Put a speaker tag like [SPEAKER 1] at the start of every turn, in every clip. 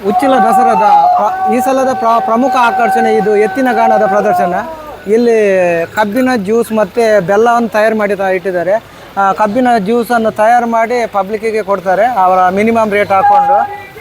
[SPEAKER 1] ಉಚ್ಚಿಲ ದಸರಾದ ಈ ಸಲದ ಪ್ರಮುಖ ಆಕರ್ಷಣೆ ಇದು ಎತ್ತಿನ ಗಾಣದ ಪ್ರದರ್ಶನ. ಇಲ್ಲಿ ಕಬ್ಬಿನ ಜ್ಯೂಸ್ ಮತ್ತು ಬೆಲ್ಲವನ್ನು ತಯಾರು ಮಾಡಿ ಇಟ್ಟಿದ್ದಾರೆ. ಕಬ್ಬಿನ ಜ್ಯೂಸನ್ನು ತಯಾರು ಮಾಡಿ ಪಬ್ಲಿಕ್ಕಿಗೆ ಕೊಡ್ತಾರೆ ಅವರ ಮಿನಿಮಮ್ ರೇಟ್ ಹಾಕ್ಕೊಂಡು.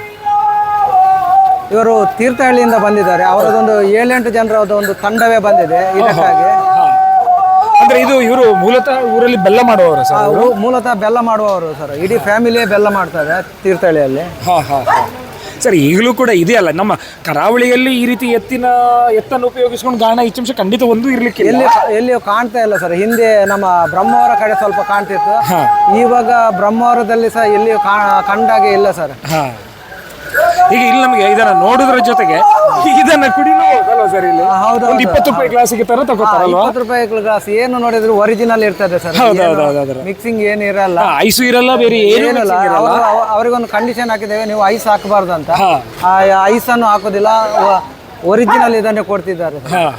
[SPEAKER 1] ಇವರು ತೀರ್ಥಹಳ್ಳಿಯಿಂದ ಬಂದಿದ್ದಾರೆ. ಅವರದೊಂದು 7-8 ಜನರದ ಒಂದು ತಂಡವೇ ಬಂದಿದೆ ಇದಕ್ಕಾಗಿ.
[SPEAKER 2] ಅಂದ್ರೆ ಇದು ಇವರು ಮೂಲತಃ ಊರಲ್ಲಿ ಬೆಲ್ಲ ಮಾಡುವವರು ಸರ್?
[SPEAKER 1] ಮೂಲತಃ ಬೆಲ್ಲ ಮಾಡುವವರು ಸರ್. ಇಡೀ ಫ್ಯಾಮಿಲಿಯೇ ಬೆಲ್ಲ ಮಾಡ್ತಾರೆ ತೀರ್ಥಹಳ್ಳಿಯಲ್ಲಿ.
[SPEAKER 2] ಸರ್ ಈಗಲೂ ಕೂಡ ಇದೆಯಲ್ಲ ನಮ್ಮ ಕರಾವಳಿಯಲ್ಲಿ ಈ ರೀತಿ ಎತ್ತನ್ನು ಉಪಯೋಗಿಸ್ಕೊಂಡು ಗಾಣ ಇಚ್ಛಂಶ ಖಂಡಿತ ಒಂದು ಇರ್ಲಿಕ್ಕೆ
[SPEAKER 1] ಎಲ್ಲಿಯೂ ಕಾಣ್ತಾ ಇಲ್ಲ ಸರ್. ಹಿಂದೆ ನಮ್ಮ ಬ್ರಹ್ಮಾವರ ಕಡೆ ಸ್ವಲ್ಪ ಕಾಣ್ತಿತ್ತು, ಇವಾಗ ಬ್ರಹ್ಮಾವರದಲ್ಲಿ ಸಹ ಎಲ್ಲಿಯೂ ಕಂಡಾಗೆ ಇಲ್ಲ ಸರ್.
[SPEAKER 2] ಈಗ ಇಲ್ಲಿ ನಮಗೆ ಇದನ್ನ ನೋಡುದ್ರ ಜೊತೆಗೆ ಇದನ್ನ ಕುಡಿನೂ ಹೋಗಲ್ವ ಸರ್? ಇಲ್ಲಿ
[SPEAKER 1] ಹೌದು,
[SPEAKER 2] 20 ರೂಪಾಯಿ ಗ್ಲಾಸಿಗೆ ತರ ತಗೋತಾರಲ್ವಾ?
[SPEAKER 1] 20 ರೂಪಾಯಿ ಗ್ಲಾಸ್ ಏನು ನೋಡಿದ್ರು ಒರಿಜಿನಲ್ ಇರ್ತದೆ ಸರ್. ಮಿಕ್ಸಿಂಗ್ ಏನು ಇರಲ್ಲ,
[SPEAKER 2] ಐಸು ಇರಲ್ಲ, ಬೇರೆ ಏನಿರಲ್ಲ.
[SPEAKER 1] ಅವರಿಗೊಂದು ಕಂಡೀಷನ್ ಹಾಕಿದ್ದೇವೆ, ನೀವು ಐಸ್ ಹಾಕಬಾರ್ದು ಅಂತ. ಐಸ್ ಅನ್ನು ಹಾಕೋದಿಲ್ಲ, ಒರಿಜಿನಲ್ ಇದನ್ನೇ ಕೊಡ್ತಿದ್ದಾರೆ.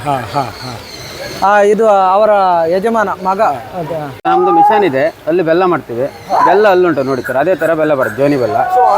[SPEAKER 1] ಇದು ಅವರ ಯಜಮಾನ ಮಗ.
[SPEAKER 3] ನಮ್ದು ಮಿಷನ್ ಇದೆ, ಅಲ್ಲಿ ಬೆಲ್ಲ ಮಾಡ್ತೀವಿ. ಬೆಲ್ಲ ಅಲ್ಲುಂಟು ನೋಡಿ ಸರ್, ಅದೇ ತರ ಬೆಲ್ಲ ಬರುತ್ತೆ, ಜೋನಿ ಬೆಲ್ಲ.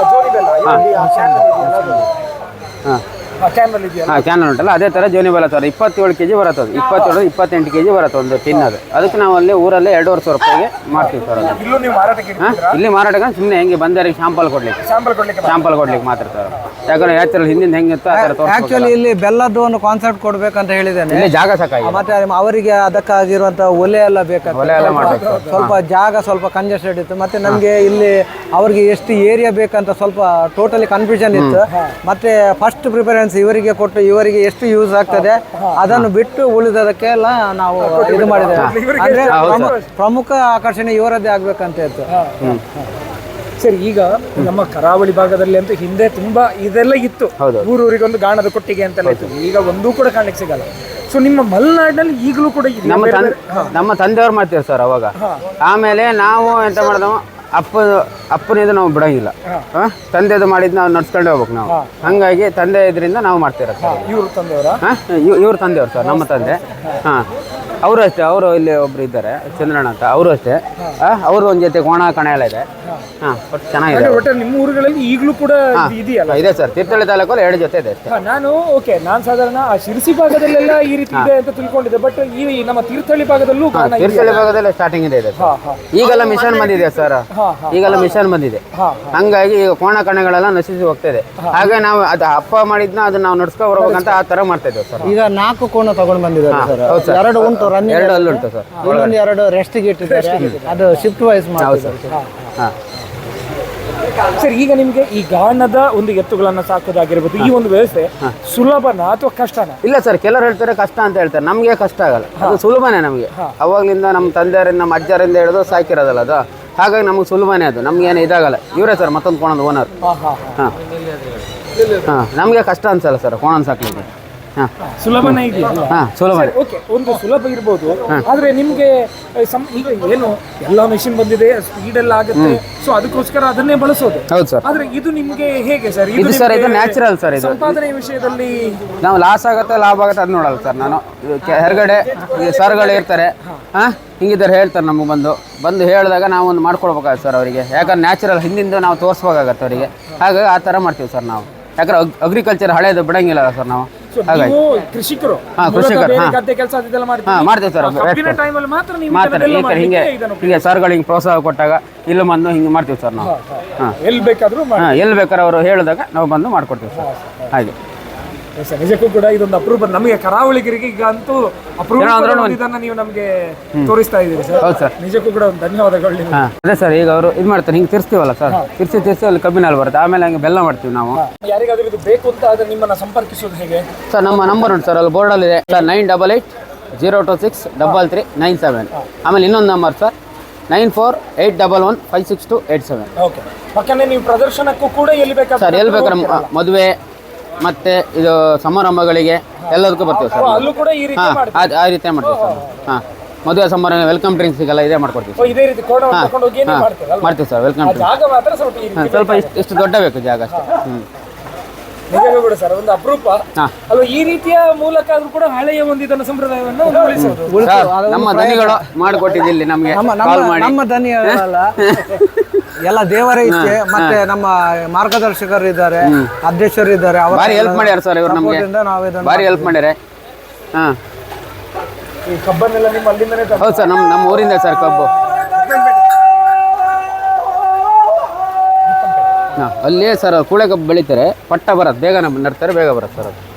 [SPEAKER 3] ಕ್ಯಾನಲ್ ಉಂಟಲ್ಲ, ಅದೇ ತರ ಜೋನಿ ಬೆಲ್ಲ ಸರ್. 27 kg ಬರುತ್ತೆ, 27-28 kg ಬರುತ್ತೆ ಒಂದು ಟಿನ್. ಅದಕ್ಕೆ ನಾವು ಅಲ್ಲಿ ಊರಲ್ಲಿ 2,500 ರೂಪಾಯಿಗೆ ಮಾಡ್ತೀವಿ ಸರ್. ಇಲ್ಲಿ ಮಾರಾಟಕ್ಕೆ ಸುಮ್ಮನೆ ಹೆಂಗೆ ಬಂದವರಿಗೆ ಶಾಂಪಲ್ ಕೊಡ್ಲಿಕ್ಕೆ ಮಾತ್ರ ಸರ್. ಯಾಕಂದ್ರೆ ನ್ಯಾಚುರಲ್ ಹಿಂದಿಂದ ಹೆಂಗಿತ್ತು ಆ ಥರ.
[SPEAKER 1] ಆಕ್ಚುಲಿ ಇಲ್ಲಿ ಬೆಲ್ಲದ್ದು ಒಂದು ಕಾನ್ಸೆಪ್ಟ್ ಕೊಡ್ಬೇಕಂತ ಹೇಳಿದ್ದೇನೆ.
[SPEAKER 3] ಇಲ್ಲಿ ಜಾಗ ಸಾಕಾಗಿ
[SPEAKER 1] ಮತ್ತೆ ಅವರಿಗೆ ಅದಕ್ಕಾಗಿರುವಂತ ಒಲೆ ಎಲ್ಲ ಬೇಕಾಗ್ತದೆ. ಸ್ವಲ್ಪ ಜಾಗ ಸ್ವಲ್ಪ ಕಂಜೆಸ್ಟೆಡ್ ಇತ್ತು. ಮತ್ತೆ ನಮ್ಗೆ ಇಲ್ಲಿ ಅವ್ರಿಗೆ ಎಷ್ಟು ಏರಿಯಾ ಬೇಕಂತ ಸ್ವಲ್ಪ ಟೋಟಲಿ ಕನ್ಫ್ಯೂಷನ್ ಇತ್ತು. ಮತ್ತೆ ಫಸ್ಟ್ ಪ್ರಿಫರೆನ್ಸ್ ಇವರಿಗೆ ಕೊಟ್ಟು ಇವರಿಗೆ ಎಷ್ಟು ಯೂಸ್ ಆಗ್ತದೆ ಅದನ್ನು ಬಿಟ್ಟು ಉಳಿದದಕ್ಕೆಲ್ಲ ನಾವು ಇದು ಮಾಡಿದ್ದೇವೆ. ಅಂದ್ರೆ ಪ್ರಮುಖ ಆಕರ್ಷಣೆ ಇವರದ್ದೇ ಆಗ್ಬೇಕಂತ ಇತ್ತು
[SPEAKER 2] ಸರ್. ಈಗ ನಮ್ಮ ಕರಾವಳಿ ಭಾಗದಲ್ಲಿ ಅಂತೂ ಹಿಂದೆ ತುಂಬಾ ಇದೆಲ್ಲ ಇತ್ತು, ಊರೂರಿಗೊಂದು ಗಾಣದ ಕೊಟ್ಟಿಗೆ ಅಂತೆಲ್ಲ ಇತ್ತು. ಈಗ ಒಂದೂ ಕೂಡ ಕಾಣಲಿಕ್ಕೆ ಸಿಗಲ್ಲ. ಸೊ ನಿಮ್ಮ ಮಲೆನಾಡಿನಲ್ಲಿ ಈಗಲೂ ಕೂಡ
[SPEAKER 3] ನಮ್ಮ ತಂದೆಯವ್ರು ಮಾಡ್ತೀವಿ ಸರ್ ಅವಾಗ. ಆಮೇಲೆ ನಾವು ಎಂತ ಮಾಡಿದವ, ಅಪ್ಪನಿಂದ ನಾವು ಬಿಡೋಂಗಿಲ್ಲ. ತಂದೆದು ಮಾಡಿದ್ ನಾವು ನಡ್ಸ್ಕೊಂಡೇ ಹೋಗ್ಬೇಕು ನಾವು. ಹಂಗಾಗಿ ತಂದೆ ಇದರಿಂದ ನಾವು ಮಾಡ್ತೀರ ಸರ್. ಇವ್ರ ತಂದೆಯವ್ರು ಸರ್, ನಮ್ಮ ತಂದೆ. ಅವರು ಅಷ್ಟೇ, ಅವರು ಇಲ್ಲಿ ಒಬ್ರು ಇದ್ದಾರೆ ಚಂದ್ರಣ್ಣ ಅಂತ, ಅವರು ಅಷ್ಟೇ. ಅವರು ಒಂದ್ ಜೊತೆ ಕೋಣ ಕಣ ಎಲ್ಲ ಇದೆ. ಚೆನ್ನಾಗಿದೆ.
[SPEAKER 2] ನಿಮ್ಮ ಊರುಗಳಲ್ಲಿ ಈಗಲೂ ಕೂಡ ಇದೆಯಲ್ಲ?
[SPEAKER 3] ಇದೆ ಸರ್, ತೀರ್ಥಹಳ್ಳಿ ತಾಲೂಕಲ್ಲಿ 2 ಜೊತೆ ಇದೆ ಅಷ್ಟೇ.
[SPEAKER 2] ನಾನು ಸಾಧಾರಣ ಶಿರಸಿ ಭಾಗದಲ್ಲೆಲ್ಲ ಈ ರೀತಿ ಇದೆ ಅಂತ ತಿಳ್ಕೊಂಡಿದ್ದೆ. ಬಟ್ ಈ ನಮ್ಮ ತೀರ್ಥಹಳ್ಳಿ ಭಾಗದಲ್ಲೂ
[SPEAKER 3] ತೀರ್ಥಹಳ್ಳಿ ಭಾಗದಲ್ಲಿ ಸ್ಟಾರ್ಟಿಂಗ್ ಇದೆ. ಈಗೆಲ್ಲ ಮಿಷನ್ ಬಂದಿದೆ ಸರ್, ಈಗೆಲ್ಲ ಮಿಷನ್ ಬಂದಿದೆ. ಹಂಗಾಗಿ ಈಗ ಕೋಣ ಕಣಗಳೆಲ್ಲ ನಶಿಸಿ ಹೋಗ್ತಿದೆ. ಹಾಗೆ ನಾವು ಅದು ಅಪ್ಪ ಮಾಡಿದ್ನ ಅದನ್ನ ನಾವು ನಡ್ಸ್ಕೊ ಬರ್ಬೇಕಂತ ಆ ತರ ಮಾಡ್ತಾ ಇದ್ದೇವೆ ಸರ್.
[SPEAKER 1] ಈಗ 4 ಕೋಣ ತಗೊಂಡ್ ಬಂದಿದ್ದಾರೆ. 2 ಉಂಟು,
[SPEAKER 3] 2 ಅಲ್ಲುಂಟು ಸರ್.
[SPEAKER 1] ಇನ್ನೊಂದು 2 ರೆಸ್ಟ್ಗೆ ಇಟ್ಟಿದ್ದಾರೆ. ಅದು ಶಿಫ್ಟ್ ವೈಸ್ ಮಾಡ್ತಾರೆ
[SPEAKER 2] ಸರ್. ಈಗ ನಿಮ್ಗೆ ಈ ಗಾಣದ ಒಂದು ಎತ್ತುಗಳನ್ನ ಸಾಕೋದಾಗಿರ್ಬೋದು, ಈ ಒಂದು ವ್ಯವಸ್ಥೆ ಸುಲಭನ ಅಥವಾ ಕಷ್ಟನ?
[SPEAKER 3] ಇಲ್ಲ ಸರ್, ಕೆಲವರು ಹೇಳ್ತಾರೆ ಕಷ್ಟ ಅಂತ ಹೇಳ್ತಾರೆ. ನಮ್ಗೆ ಕಷ್ಟ ಆಗಲ್ಲ, ಅದು ಸುಲಭನೇ ನಮ್ಗೆ. ಅವಾಗ್ಲಿಂದ ನಮ್ಮ ತಂದೆಯರಿಂದ ನಮ್ಮ ಅಜ್ಜರಿಂದ ಹಿಡಿದು ಸಾಕಿರೋದಲ್ಲ ಅದು. ಹಾಗಾಗಿ ನಮಗೆ ಸುಲಭನೇ ಅದು, ನಮ್ಗೆ ಏನು ಇದಾಗಲ್ಲ. ಇವರೇ ಸರ್ ಮತ್ತೊಂದು ಕೋಣದ ಓನರ್. ನಮಗೆ ಕಷ್ಟ ಅನ್ಸಲ್ಲ ಸರ್ ಕೋಣ ಸಾಕ್ಲಿಕ್ಕೆ.
[SPEAKER 2] ಸುಲಭನೇ ಇದೆಯಾ?
[SPEAKER 3] ಸುಲಭನೇ.
[SPEAKER 2] ಓಕೆ, ಒಂದು ಸುಲಭ ಇರ್ಬೋದು. ಆದ್ರೆ ನಿಮ್ಗೆ ಈಗ ಏನು ಎಲ್ಲ ಮೆಷಿನ್ ಬಂದಿದೆ, ಸ್ಪೀಡ್ ಎಲ್ಲ ಆಗುತ್ತೆ. ಸೊ ಅದಕ್ಕೋಸ್ಕರ ಅದನ್ನೇ ಬಳಸೋದು.
[SPEAKER 3] ಹೌದು ಸರ್.
[SPEAKER 2] ಆದ್ರೆ ಇದು ನಿಮ್ಗೆ ಹೇಗೆ ಸರ್?
[SPEAKER 3] ಇದು ಸರ್ ಇದು ನ್ಯಾಚುರಲ್ ಸರ್. ಇದು
[SPEAKER 2] ಸಂಪಾದನೆ ವಿಷಯದಲ್ಲಿ
[SPEAKER 3] ನಾವು ಲಾಸ್ ಆಗುತ್ತೆ ಲಾಭ ಆಗುತ್ತೆ ಅದು ನೋಡಲ್ಲ ಸರ್. ನಾನು ಹೊರಗಡೆ ಸರ್ಗಳು ಇರ್ತಾರೆ, ಹಿಂಗಿದ್ದಾರೆ ಹೇಳ್ತಾರೆ ನಮಗೆ ಬಂದು ಹೇಳಿದಾಗ ನಾವು ಒಂದು ಮಾಡ್ಕೊಡ್ಬೇಕಾಗುತ್ತೆ ಸರ್ ಅವರಿಗೆ. ಯಾಕಂದ್ರೆ ನ್ಯಾಚುರಲ್ ಹಿಂದಿಂದ ನಾವು ತೋರಿಸ್ಬೇಕಾಗತ್ತೆ ಅವರಿಗೆ. ಹಾಗಾಗಿ ಆ ಥರ ಮಾಡ್ತೀವಿ ಸರ್ ನಾವು. ಯಾಕಂದ್ರೆ ಅಗ್ರಿಕಲ್ಚರ್ ಹಳೇದು ಬಿಡಂಗಿಲ್ಲ ಸರ್ ನಾವು. ಹಾಗಾಗಿ
[SPEAKER 2] ಕೃಷಿಕರು
[SPEAKER 3] ಗದ್ದೆ ಕೆಲಸ ಮಾಡ್ತೀವಿ ಸರ್. ಮಾತ್ರ ಹಿಂಗೆ ಸರ್ಗಳಿಗೆ ಪ್ರೋತ್ಸಾಹ ಕೊಟ್ಟಾಗ ಇಲ್ಲಿ ಬಂದು ಹಿಂಗೆ ಮಾಡ್ತೀವಿ ಸರ್ ನಾವು.
[SPEAKER 2] ಎಲ್ಲಿ ಬೇಕಾದ್ರೂ
[SPEAKER 3] ಅವರು ಹೇಳಿದಾಗ ನಾವು ಬಂದು ಮಾಡ್ಕೊಡ್ತೀವಿ ಸರ್. ಹಾಗೆ
[SPEAKER 2] ನಿಜಕ್ಕೂ ಕೂಡ ಇದೊಂದು ಅಪರೂಪ. ನಮಗೆ ಕರಾವಳಿಗರಿಗೆ ಈಗ ಅಂತೂ ಅಪರೂಪ ಇದನ್ನ ನೀವು ನಮಗೆ ತೋರಿಸ್ತಾ ಇದ್ದೀರಿ ಸರ್.
[SPEAKER 3] ಹೌದು ಸರ್,
[SPEAKER 2] ನಿಜಕ್ಕೂ ಕೂಡ ಒಂದು ಧನ್ಯವಾದಗಳು.
[SPEAKER 3] ಅದೇ ಸರ್, ಈಗ ಅವರು ಇದು ಮಾಡ್ತಾರೆ, ಹಿಂಗೆ ತಿರ್ಸ್ತೀವಲ್ಲ ಸರ್, ತಿರ್ಸಿ ಅಲ್ಲಿ ಕಬ್ಬಿನಲ್ಲಿ ಬರುತ್ತೆ. ಆಮೇಲೆ ಹಂಗೆ ಬೆಲ್ಲ ಮಾಡ್ತೀವಿ ನಾವು.
[SPEAKER 2] ಯಾರಿಗಾದ್ರೂ ಇದು ಬೇಕು ಅಂತ ಆದ್ರೆ ನಿಮ್ಮನ್ನ ಸಂಪರ್ಕಿಸೋದು ಹೇಗೆ
[SPEAKER 3] ಸರ್? ನಮ್ಮ ನಂಬರ್ ಉಂಟು ಸರ್, ಅಲ್ಲಿ ಬೋರ್ಡಲ್ಲಿ ಇದೆ ಸರ್, 9880263397. ಆಮೇಲೆ ಇನ್ನೊಂದು ನಂಬರ್ ಸರ್, 9481156287.
[SPEAKER 2] ಓಕೆ, ಪಕ್ಕನೆ ನೀವು ಪ್ರದರ್ಶನಕ್ಕೂ ಕೂಡ ಎಲ್ಲಿ ಬೇಕಾದ್ರೆ
[SPEAKER 3] ಸರ್, ಎಲ್ಲಿ ಬೇಕಾದ್ರೆ ಮದುವೆ ಮತ್ತೆ ಇದು ಸಮಾರಂಭಗಳಿಗೆ ಎಲ್ಲದಕ್ಕೂ ಬರ್ತೀವಿ ಸರ್.
[SPEAKER 2] ಅಲ್ಲೂ ಕೂಡ ಈ ರೀತಿ
[SPEAKER 3] ಆ ರೀತಿ ಮಾಡ್ತೀವಿ ಸರ್. ಮದುವೆ ಸಮಾರಂಭ ವೆಲ್ಕಮ್ ಡ್ರಿಂಕ್ಸಿಗೆಲ್ಲ ಇದೇ ಮಾಡ್ಕೊಡ್ತೀವಿ.
[SPEAKER 2] ಇದೇ ರೀತಿ
[SPEAKER 3] ಮಾಡ್ತೀವಿ ಸರ್. ವೆಲ್ಕಮ್ ಡ್ರಿಂಕ್ಸ್ ಸ್ವಲ್ಪ ಇಷ್ಟು ದೊಡ್ಡ ಬೇಕು ಜಾಗ ಅಷ್ಟೇ.
[SPEAKER 2] ನಿಜವೇ ಕೂಡ ಸರ್ ಒಂದು ಅಪರೂಪ
[SPEAKER 3] ಹಾ.
[SPEAKER 2] ಅಲ್ವಾ ಈ ರೀತಿಯ ಮೂಲಕ ಆದ್ರೂ ಕೂಡ ಹಳೆಯ ಒಂದು ಇದನ್ನು ಸಂಪ್ರದಾಯವನ್ನು ಒಂದು ಉಳಿಸೋದು.
[SPEAKER 3] ಸರ್, ನಮ್ಮ ದನಿಗಳು ಮಾಡಿಕೊಟ್ಟಿದ್ದು ಇಲ್ಲಿ ನಮಗೆ ಕಾಲ್ ಮಾಡಿ.
[SPEAKER 1] ನಮ್ಮ ದನಿಯಲ್ಲ ಎಲ್ಲ ದೇವರ ಇಚ್ಛೆ, ಮತ್ತೆ ನಮ್ಮ ಮಾರ್ಗದರ್ಶಕರು ಇದ್ದಾರೆ, ಅಧ್ಯಕ್ಷರು ಇದ್ದಾರೆ, ಅವರ
[SPEAKER 3] ಭಾರಿ ಹೆಲ್ಪ್ ಮಾಡ್ಯಾರ ಸರ್ ಇವ್ರು ನಮಗೆ,
[SPEAKER 1] support ಇಂದ ನಾವು ಇದನ್ನ
[SPEAKER 3] ಭಾರಿ ಹೆಲ್ಪ್ ಮಾಡ್ಯಾರೆ. ಹಾಂ
[SPEAKER 2] ಈ ಕಬ್ಬನ್ನೆಲ್ಲ ನಿಮ್ಮ ಅಲ್ಲಿಂದನೇ
[SPEAKER 3] ಹೌದು ಸರ್, ನಮ್ಮ ಊರಿಂದ ಸರ್ ಕಬ್ಬು. ಹಾಂ ಅಲ್ಲೇ ಸರ್ ಕೂಳೆ ಕಬ್ಬು ಬೆಳಿತಾರೆ, ಪಟ್ಟ ಬರತ್ತೆ, ಬೇಗ ನಡ್ತಾರೆ, ಬೇಗ ಬರುತ್ತೆ ಸರ್ ಅದು.